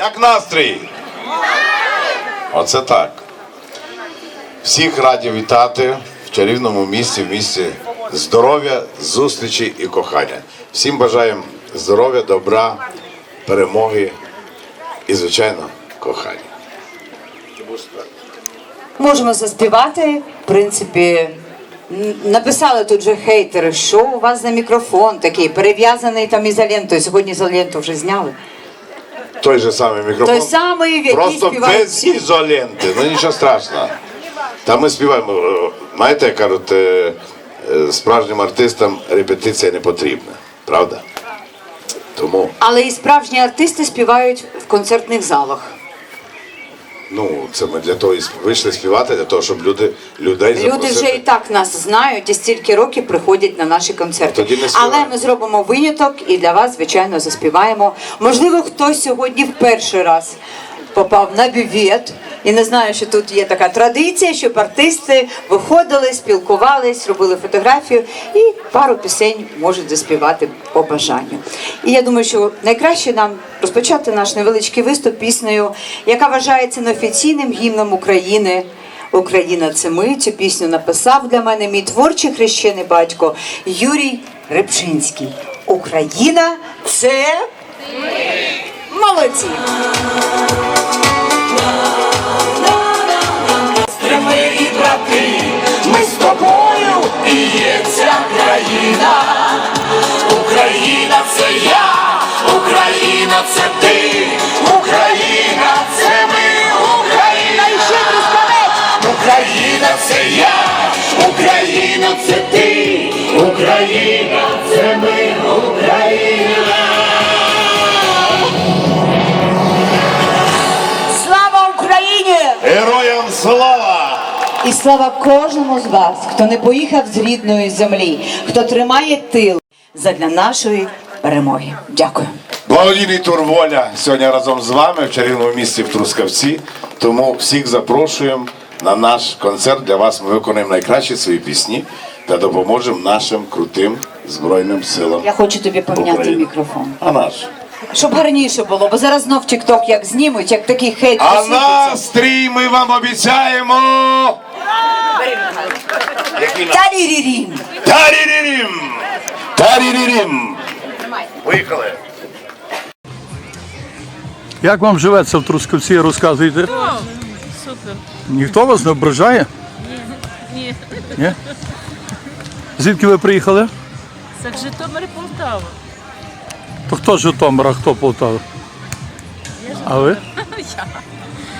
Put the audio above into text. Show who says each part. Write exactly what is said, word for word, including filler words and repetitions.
Speaker 1: Як настрій? Оце так. Всіх раді вітати в чарівному місці, в місці здоров'я, зустрічі і кохання. Всім бажаємо здоров'я, добра, перемоги і, звичайно, кохання.
Speaker 2: Можемо заспівати, в принципі, написали тут же хейтери, що у вас за мікрофон такий, перев'язаний там ізолентою, сьогодні ізоленту вже зняли.
Speaker 1: Той же самий мікрофон,
Speaker 2: Той самий, в який
Speaker 1: просто
Speaker 2: співають
Speaker 1: без
Speaker 2: всі.
Speaker 1: ізоленти, ну нічого страшного. Та ми співаємо, знаєте, як кажуть, е, е, справжнім артистам репетиція не потрібна, правда? Тому,
Speaker 2: Але і справжні артисти співають в концертних залах.
Speaker 1: ну, це ми для того і вийшли співати, для того, щоб люди, людей
Speaker 2: Люди
Speaker 1: запросити.
Speaker 2: вже і так нас знають і стільки років приходять на наші концерти.
Speaker 1: Тоді не співаємо.
Speaker 2: Але ми зробимо виняток і для вас, звичайно, заспіваємо. Можливо, хтось сьогодні в перший раз попав на бювет. І не знаю, що тут є така традиція, щоб артисти виходили, спілкувались, робили фотографію і пару пісень можуть заспівати по бажанню. І я думаю, що найкраще нам розпочати наш невеличкий виступ піснею, яка вважається неофіційним гімном України. «Україна – це ми». Цю пісню написав для мене мій творчий хрещений батько Юрій Рибчинський. «Україна – це ми». Молодці!
Speaker 3: Ми і брати, ми з тобою і є ця країна. Україна – це я, Україна – це ти, Україна – це ми, Україна і ще Трускавець. Україна – це я, Україна – це ти, Україна – це ми, Україна.
Speaker 2: Слава Україні!
Speaker 1: Героям слава!
Speaker 2: І слава кожному з вас, хто не поїхав з рідної землі, хто тримає тил задля нашої перемоги. Дякую.
Speaker 1: Благодійний тур «Воля» сьогодні разом з вами в чарівному місті в Трускавці. Тому всіх запрошуємо на наш концерт. Для вас ми виконаємо найкращі свої пісні та допоможемо нашим крутим Збройним силам.
Speaker 2: Я хочу тобі поміняти
Speaker 1: України.
Speaker 2: мікрофон.
Speaker 1: А наш?
Speaker 2: Щоб гарніше було, бо зараз знов тік-ток як знімуть, як такий хейт
Speaker 1: А
Speaker 2: посипеться.
Speaker 1: настрій ми вам обіцяємо! Який настрій?
Speaker 2: Тарірірім!
Speaker 1: Тарірірім! Тарірірім! Поїхали!
Speaker 4: Як вам живеться в Трускавці, розказуйте?
Speaker 5: О, супер.
Speaker 4: Ніхто вас не ображає?
Speaker 5: Ні.
Speaker 4: Ні? Звідки ви приїхали?
Speaker 5: Це Житомир і Полтава.
Speaker 4: То хто з Житомира, хто Полтава? А ви?
Speaker 5: Я.